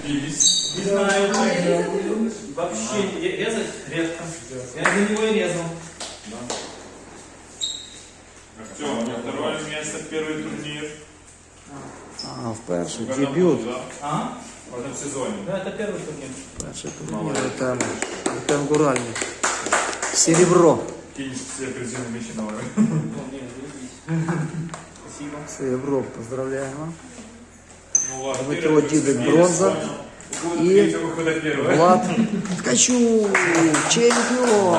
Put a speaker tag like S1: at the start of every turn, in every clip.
S1: Не знаю, вообще резать редко. Я за него и резал.
S2: Артем, второе место, первый турнир.
S3: В перший дебют.
S1: А?
S2: В этом сезоне.
S1: Да, это первый турнир.
S3: Перший турнір. Артем Гуральник. Серебро.
S2: Кинь все призывные вещи на уровень.
S1: Спасибо.
S3: Серебро. Поздравляємо.
S2: Ну ладно.
S3: Дмитро Дідик бронза. И Влад Ткачук, чемпион.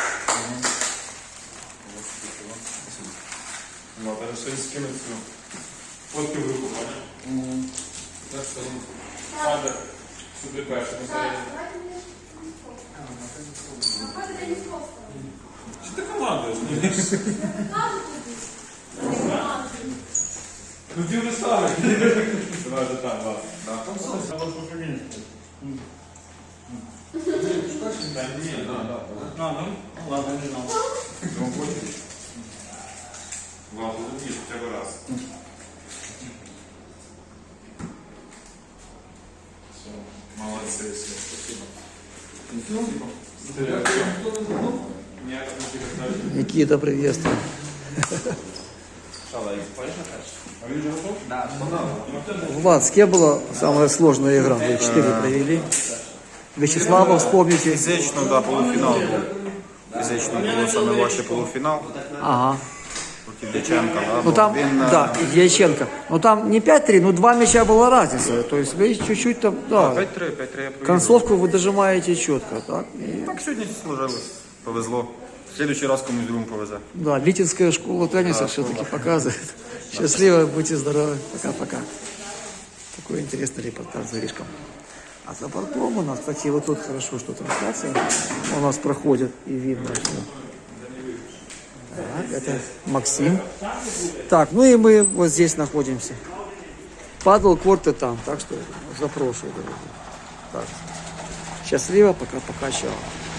S2: Вот, это что скинуть все. Фотки в руку, понял? Так что надо сюда перше посмотреть. Что ты командуешь? Ну ты уже старый. Давай же там, ладно. Да нет, да.
S1: Ну ладно, не знал.
S2: Он хочет. Ладно, тут есть хотя бы раз. Все, молодцы все. Спасибо. Нет,
S3: Никита, приветствую. Влад, с кем была самая сложная игра? Вы 4 провели. Вячеслава вспомните.
S4: Фізично, да, полуфінал був. Фізично було саме важче полуфінал.
S3: Ага.
S4: Проти Дяченка, да,
S3: Ну там, да, Дьяченко. Ну там не 5-3, но 2 мяча была разница. То есть вы чуть-чуть там, да.
S4: 5-3 я провів.
S3: Концовку вы дожимаете четко, так? И,
S4: Так сьогодні сложилось. Повезло. В следующий раз комусь другому повезе.
S3: да, Витинская школа тенниса все-таки показывает. Счастливо, будьте здоровы. Пока-пока. Такой интересный репортаж за Рижком. А за бортом у нас, кстати, вот тут хорошо, что трансляция у нас проходит и видно, что... Так, это Максим. Так, ну и мы вот здесь находимся. Падал корты там, так что запрошую. Так, счастливо, пока-пока, чао.